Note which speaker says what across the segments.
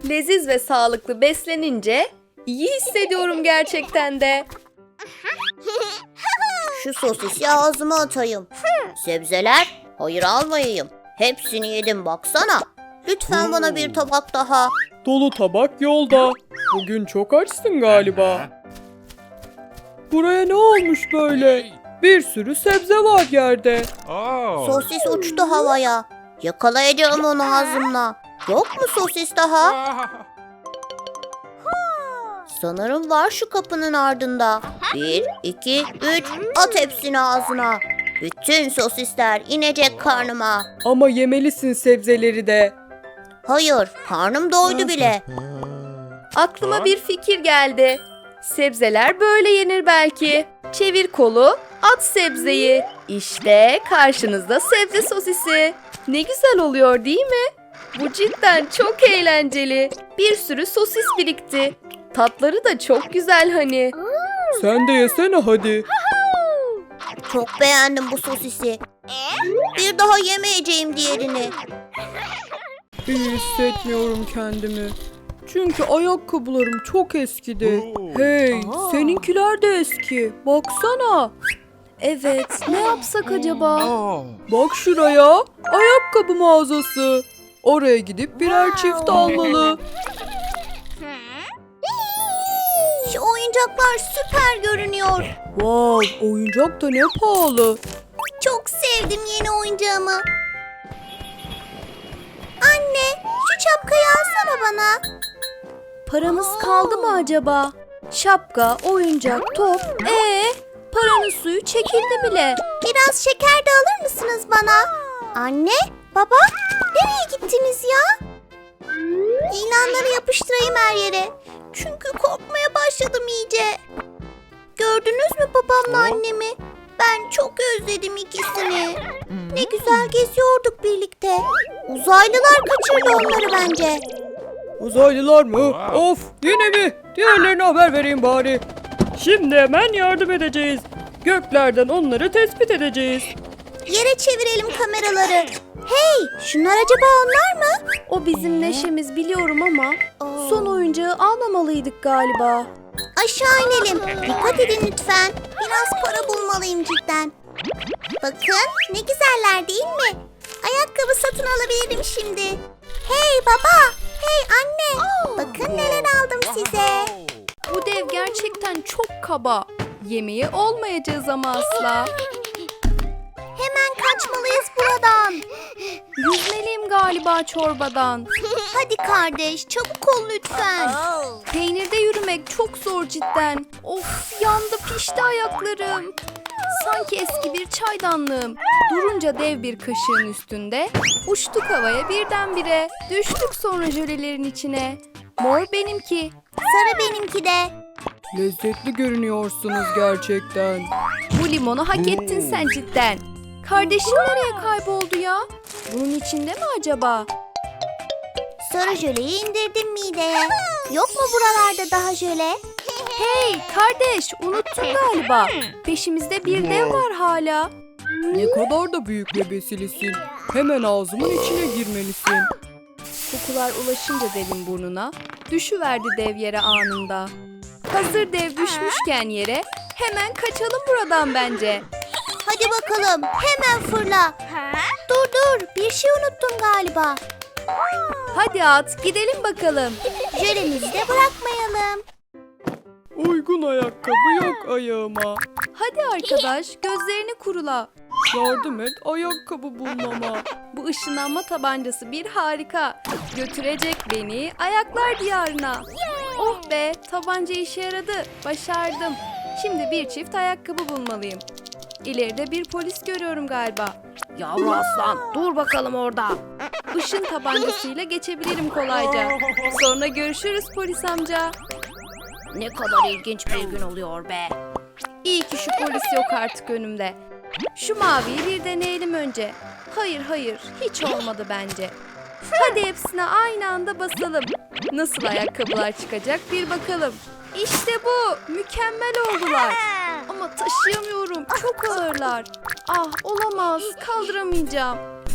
Speaker 1: Leziz ve sağlıklı beslenince iyi hissediyorum gerçekten de.
Speaker 2: Şu sosisi ağzıma atayım. Sebzeler? Hayır almayayım. Hepsini yedim baksana. Lütfen bana bir tabak daha.
Speaker 3: Dolu tabak yolda. Bugün çok açsın galiba. Buraya ne olmuş böyle? Bir sürü sebze var yerde.
Speaker 2: Sosis uçtu havaya. Yakalayacağım onu ağzımla. Yok mu sosis daha? Sanırım var şu kapının ardında. 1, 2, 3, at hepsini ağzına. Bütün sosisler inecek karnıma.
Speaker 3: Ama yemelisin sebzeleri de.
Speaker 2: Hayır, karnım doydu bile.
Speaker 1: Aklıma bir fikir geldi. Sebzeler böyle yenir belki. Çevir kolu, at sebzeyi. İşte karşınızda sebze sosisi. Ne güzel oluyor değil mi? Bu cidden çok eğlenceli. Bir sürü sosis birikti. Tatları da çok güzel hani.
Speaker 3: Sen de yesene hadi.
Speaker 2: Çok beğendim bu sosisi. Bir daha yemeyeceğim diğerini.
Speaker 3: İyi hissetmiyorum kendimi. Çünkü ayakkabılarım çok eskidi. Hey, seninkiler de eski. Baksana.
Speaker 1: Evet, ne yapsak acaba?
Speaker 3: Bak şuraya. Ayakkabı mağazası. Oraya gidip birer çift almalı.
Speaker 2: Şu oyuncaklar süper görünüyor.
Speaker 3: Wow, oyuncak da ne pahalı.
Speaker 2: Çok sevdim yeni oyuncağımı. Anne, şu şapkayı alsana bana.
Speaker 1: Paramız kaldı mı acaba? Şapka, oyuncak, top. Paranın suyu çekildi bile.
Speaker 2: Biraz şeker de alır mısınız bana? Anne, baba, nereye gittiniz ya? İlanları yapıştırayım her yere. Çünkü korkmaya başladım iyice. Gördünüz mü babamla annemi? Ben çok özledim ikisini. Ne güzel geziyorduk birlikte. Uzaylılar kaçırdı onları bence.
Speaker 3: Uzaylılar mı? Of, yine mi? Diğerlerine haber vereyim bari. Şimdi hemen yardım edeceğiz. Göklerden onları tespit edeceğiz.
Speaker 2: Yere çevirelim kameraları. Hey, şunlar acaba onlar mı?
Speaker 1: O bizim neşemiz biliyorum ama son oyuncağı almamalıydık galiba.
Speaker 2: Aşağı inelim. Dikkat edin lütfen. Biraz para bulmalıyım cidden. Bakın ne güzeller değil mi? Ayakkabı satın alabilirim şimdi. Hey baba, hey anne. Bakın neler aldım size.
Speaker 1: Bu dev gerçekten çok kaba. Yemeği olmayacağız ama asla.
Speaker 2: Hemen kaçmalıyız buradan.
Speaker 1: Yüzmeliyim galiba çorbadan.
Speaker 2: Hadi kardeş, çabuk ol lütfen.
Speaker 1: Peynirde yürümek çok zor cidden. Of, yandı pişti ayaklarım. Sanki eski bir çaydanlığım. Durunca dev bir kaşığın üstünde. Uçtuk havaya birdenbire. Düştük sonra jölelerin içine. Mor benimki.
Speaker 2: Sarı benimki de.
Speaker 3: Lezzetli görünüyorsunuz gerçekten.
Speaker 1: Bu limonu hak ettin sen cidden. Kardeşim nereye kayboldu ya? Bunun içinde mi acaba?
Speaker 2: Sarı jöleyi indirdim mideye. Yok mu buralarda daha jöle?
Speaker 1: Hey kardeş, unuttun galiba. Peşimizde bir dev var hala.
Speaker 3: Ne kadar da büyük ve besilisin. Hemen ağzımın içine girmelisin.
Speaker 1: Kokular ulaşınca devin burnuna, düşüverdi dev yere anında. Hazır dev düşmüşken yere, hemen kaçalım buradan bence.
Speaker 2: Hadi bakalım, hemen fırla. Dur, bir şey unuttum galiba.
Speaker 1: Hadi at, gidelim bakalım.
Speaker 2: Jölemizi de bırakmayalım.
Speaker 3: Uygun ayakkabı yok ayağıma.
Speaker 1: Hadi arkadaş, gözlerini kurula.
Speaker 3: Yardım et ayakkabı bulmama.
Speaker 1: Bu ışınlanma tabancası bir harika. Götürecek beni ayaklar diyarına. Oh be, tabanca işe yaradı. Başardım. Şimdi bir çift ayakkabı bulmalıyım. İleride bir polis görüyorum galiba. Yavru aslan, dur bakalım orada. Işın tabancasıyla geçebilirim kolayca. Sonra görüşürüz polis amca.
Speaker 2: Ne kadar ilginç bir gün oluyor be.
Speaker 1: İyi ki şu polis yok artık önümde. Şu maviyi bir deneyelim önce. Hayır, hiç olmadı bence. Hadi hepsine aynı anda basalım. Nasıl ayakkabılar çıkacak bir bakalım. İşte bu, mükemmel oldular. Ama taşıyamıyorum, çok ağırlar. Ah, olamaz, kaldıramayacağım.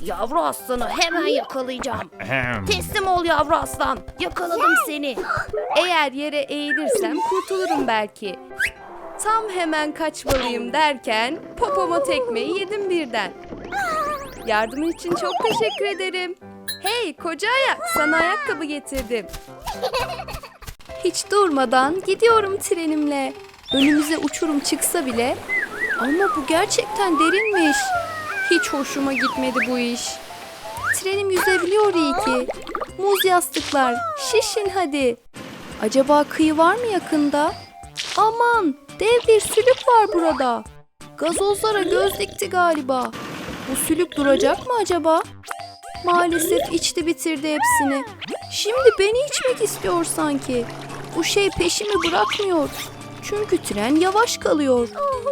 Speaker 1: Yavru aslanı hemen yakalayacağım. Teslim ol yavru aslan. Yakaladım seni. Eğer yere eğilirsem kurtulurum belki. Tam hemen kaçmalıyım derken popoma tekmeyi yedim birden. Yardımın için çok teşekkür ederim. Hey koca ayak, sana ayakkabı getirdim. Hiç durmadan gidiyorum trenimle. Önümüze uçurum çıksa bile ama bu gerçekten derinmiş. Hiç hoşuma gitmedi bu iş. Trenim yüzebiliyor iyi ki. Muz yastıklar, şişin hadi. Acaba kıyı var mı yakında? Aman, dev bir sülük var burada. Gazozlara göz dikti galiba. Bu sülük duracak mı acaba? Maalesef içti bitirdi hepsini. Şimdi beni içmek istiyor sanki. Bu şey peşimi bırakmıyor. Çünkü tren yavaş kalıyor.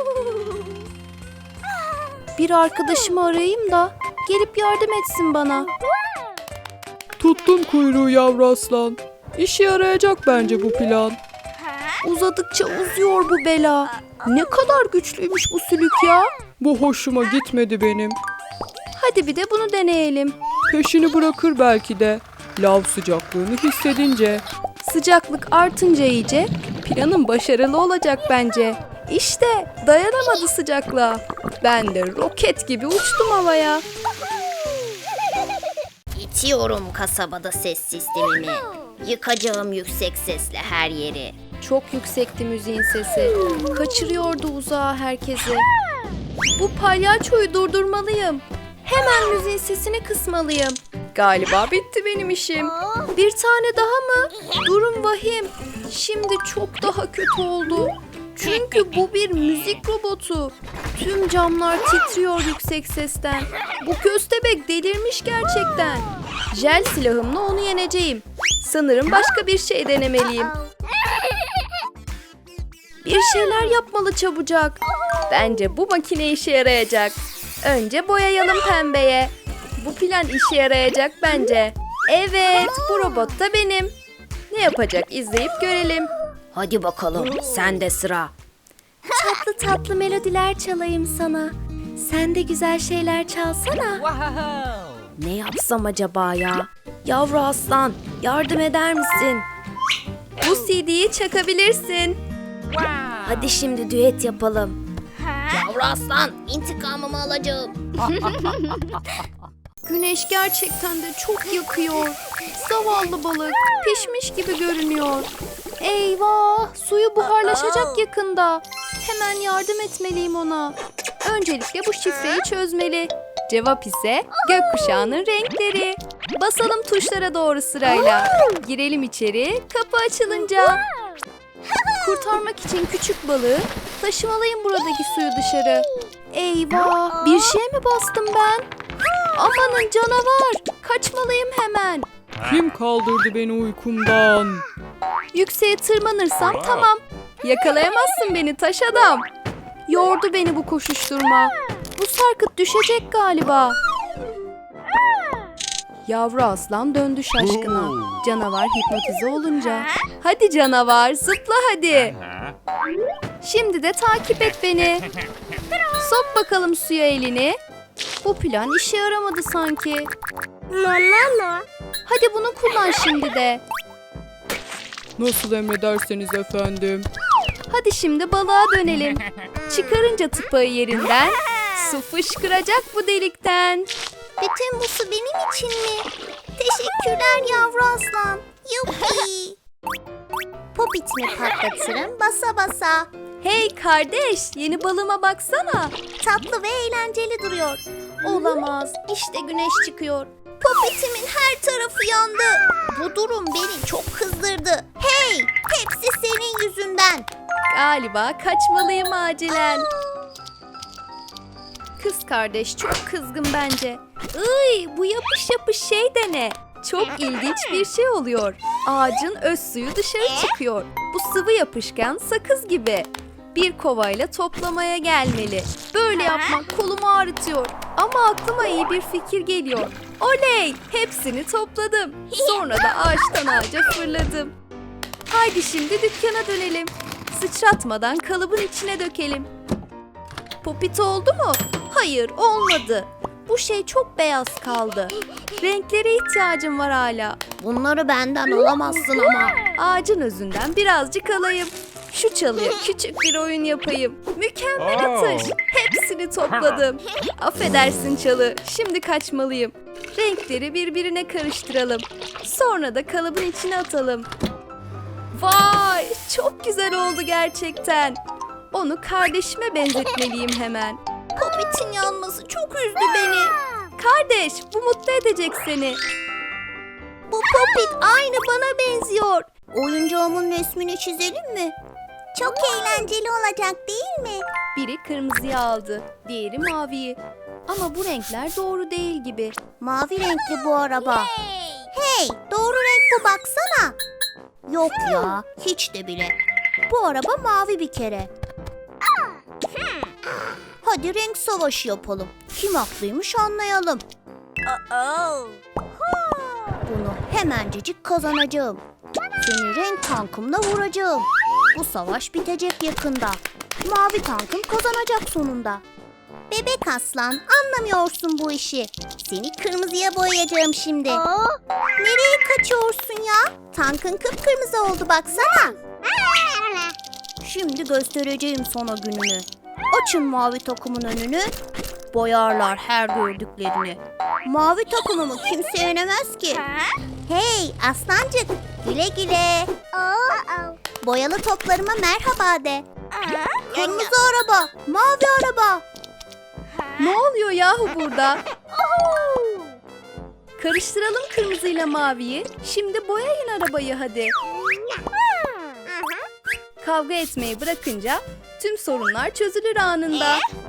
Speaker 1: Bir arkadaşımı arayayım da gelip yardım etsin bana.
Speaker 3: Tuttum kuyruğu yavru aslan. İşe yarayacak bence bu plan.
Speaker 1: Uzadıkça uzuyor bu bela. Ne kadar güçlüymüş bu sülük ya.
Speaker 3: Bu hoşuma gitmedi benim.
Speaker 1: Hadi bir de bunu deneyelim.
Speaker 3: Peşini bırakır belki de. Lav sıcaklığını hissedince.
Speaker 1: Sıcaklık artınca iyice planım başarılı olacak bence. İşte dayanamadı sıcaklığa. Ben de roket gibi uçtum havaya.
Speaker 2: İtiyorum kasabada ses sistemimi. Yıkacağım yüksek sesle her yeri.
Speaker 1: Çok yüksekti müziğin sesi. Kaçırıyordu uzağa herkesi. Bu palyaçoyu durdurmalıyım. Hemen müziğin sesini kısmalıyım. Galiba bitti benim işim. Bir tane daha mı? Durum vahim. Şimdi çok daha kötü oldu. Çünkü bu bir müzik robotu. Tüm camlar titriyor yüksek sesten. Bu köstebek delirmiş gerçekten. Jel silahımla onu yeneceğim. Sanırım başka bir şey denemeliyim. Bir şeyler yapmalı çabucak. Bence bu makine işe yarayacak. Önce boyayalım pembeye. Bu plan işe yarayacak bence. Evet, bu robot da benim. Ne yapacak izleyip görelim.
Speaker 2: Hadi bakalım, sende sıra.
Speaker 1: Tatlı tatlı melodiler çalayım sana. Sen de güzel şeyler çalsana. Ne yapsam acaba ya? Yavru aslan, yardım eder misin? Bu CD'yi çakabilirsin. Hadi şimdi düet yapalım.
Speaker 2: Yavru aslan, intikamımı alacağım.
Speaker 1: Güneş gerçekten de çok yakıyor. Zavallı balık pişmiş gibi görünüyor. Eyvah, suyu buharlaşacak yakında. Hemen yardım etmeliyim ona. Öncelikle bu şifreyi çözmeli. Cevap ise gökkuşağının renkleri. Basalım tuşlara doğru sırayla. Girelim içeri, kapı açılınca. Kurtarmak için küçük balığı taşımalıyım buradaki suyu dışarı. Eyvah, bir şeye mi bastım ben? Amanın canavar, kaçmalıyım hemen.
Speaker 3: Kim kaldırdı beni uykumdan?
Speaker 1: Yükseğe tırmanırsam tamam. Yakalayamazsın beni taş adam. Yordu beni bu koşuşturma. Bu sarkıt düşecek galiba. Yavru aslan döndü şaşkına. Canavar hipnotize olunca. Hadi canavar, zıpla hadi. Şimdi de takip et beni. Sok bakalım suya elini. Bu plan işe yaramadı sanki. Hadi bunu kullan şimdi de.
Speaker 3: Nasıl emrederseniz efendim.
Speaker 1: Hadi şimdi balığa dönelim. Çıkarınca tıpağı yerinden su fışkıracak bu delikten.
Speaker 2: Bütün bu su benim için mi? Teşekkürler yavru aslan. Yuppi. Popitini patlatırım basa basa.
Speaker 1: Hey kardeş, yeni balığıma baksana.
Speaker 2: Tatlı ve eğlenceli duruyor.
Speaker 1: Olamaz, işte güneş çıkıyor.
Speaker 2: Popitimin her tarafı yandı. Bu durum beni çok kızdırdı. Hey, hepsi senin yüzünden.
Speaker 1: Galiba kaçmalıyım acilen. Kız kardeş çok kızgın bence. Iy, bu yapış yapış şey de ne? Çok ilginç bir şey oluyor. Ağacın öz suyu dışarı çıkıyor. Bu sıvı yapışkan sakız gibi. Bir kovayla toplamaya gelmeli. Böyle yapmak kolumu ağrıtıyor. Ama aklıma iyi bir fikir geliyor. Oley! Hepsini topladım. Sonra da ağaçtan ağaca fırladım. Haydi şimdi dükkana dönelim. Sıçratmadan kalıbın içine dökelim. Popit oldu mu? Hayır, olmadı. Bu şey çok beyaz kaldı. Renklere ihtiyacım var hala.
Speaker 2: Bunları benden alamazsın ama.
Speaker 1: Ağacın özünden birazcık alayım. Şu çalıya küçük bir oyun yapayım. Mükemmel atış. Hepsini topladım. Affedersin çalı. Şimdi kaçmalıyım. Renkleri birbirine karıştıralım. Sonra da kalıbın içine atalım. Vay! Çok güzel oldu gerçekten. Onu kardeşime benzetmeliyim hemen.
Speaker 2: Popit'in yanması çok üzdü beni.
Speaker 1: Kardeş, bu mutlu edecek seni.
Speaker 2: Bu Popit aynı bana benziyor. Oyuncağımın resmini çizelim mi? Çok eğlenceli olacak değil mi?
Speaker 1: Biri kırmızıyı aldı, diğeri maviyi. Ama bu renkler doğru değil gibi.
Speaker 2: Mavi renkli bu araba. Hey, doğru renk bu baksana. Yok ya, hiç de bile. Bu araba mavi bir kere. Hadi renk savaşı yapalım. Kim haklıymış anlayalım. Bunu hemencecik kazanacağım. Seni renk tankımla vuracağım. Bu savaş bitecek yakında. Mavi tankım kazanacak sonunda. Bebek aslan, anlamıyorsun bu işi. Seni kırmızıya boyayacağım şimdi. Nereye kaçıyorsun ya? Tankın kıpkırmızı oldu baksana. Şimdi göstereceğim sana gününü. Açın mavi takımın önünü. Boyarlar her gördüklerini. Mavi takımımı kimse yenemez ki. Hey aslancık, güle güle. Boyalı toplarıma merhaba de. Kırmızı araba, mavi araba.
Speaker 1: Ne oluyor yahu burada? Karıştıralım kırmızıyla maviyi. Şimdi boyayın arabayı hadi. Kavga etmeyi bırakınca tüm sorunlar çözülür anında.